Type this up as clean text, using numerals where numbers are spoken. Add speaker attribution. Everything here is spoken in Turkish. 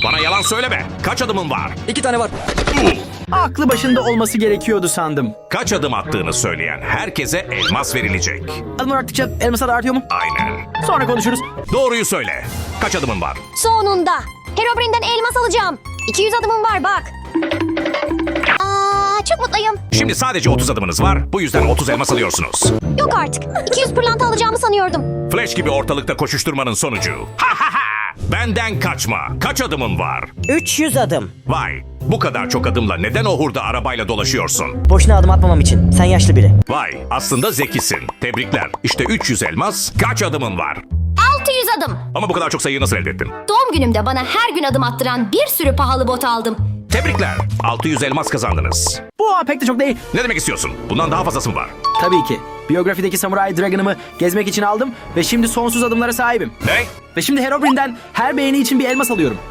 Speaker 1: Bana yalan söyleme. Kaç adımın var?
Speaker 2: 2 tane var. Aklı başında olması gerekiyordu sandım.
Speaker 1: Kaç adım attığını söyleyen herkese elmas verilecek.
Speaker 2: Adım arttıkça elmasa da artıyor mu?
Speaker 1: Aynen.
Speaker 2: Sonra konuşuruz.
Speaker 1: Doğruyu söyle. Kaç adımın var?
Speaker 3: Sonunda. Herobrine'den elmas alacağım. 200 adımım var bak. Çok mutluyum.
Speaker 1: Şimdi sadece 30 adımınız var. Bu yüzden 30 elmas alıyorsunuz.
Speaker 3: Yok artık. 200 pırlanta alacağımı sanıyordum.
Speaker 1: Flash gibi ortalıkta koşuşturmanın sonucu. Ha ha ha! Benden kaçma. Kaç adımın var?
Speaker 4: 300 adım.
Speaker 1: Vay. Bu kadar çok adımla neden o hurda arabayla dolaşıyorsun?
Speaker 4: Boşuna adım atmamam için. Sen yaşlı biri.
Speaker 1: Vay. Aslında zekisin. Tebrikler. İşte 300 elmas. Kaç adımın var?
Speaker 3: 600 adım.
Speaker 1: Ama bu kadar çok sayıyı nasıl elde ettin?
Speaker 3: Doğum günümde bana her gün adım attıran bir sürü pahalı bot aldım.
Speaker 1: Tebrikler. 600 elmas kazandınız.
Speaker 2: Bu pek de çok değil.
Speaker 1: Ne demek istiyorsun? Bundan daha fazlası mı var?
Speaker 2: Tabii ki. Biyografideki Samurai Dragon'ımı gezmek için aldım ve şimdi sonsuz adımlara sahibim.
Speaker 1: Ne?
Speaker 2: Ve şimdi Herobrine'den her beğeni için bir elmas alıyorum.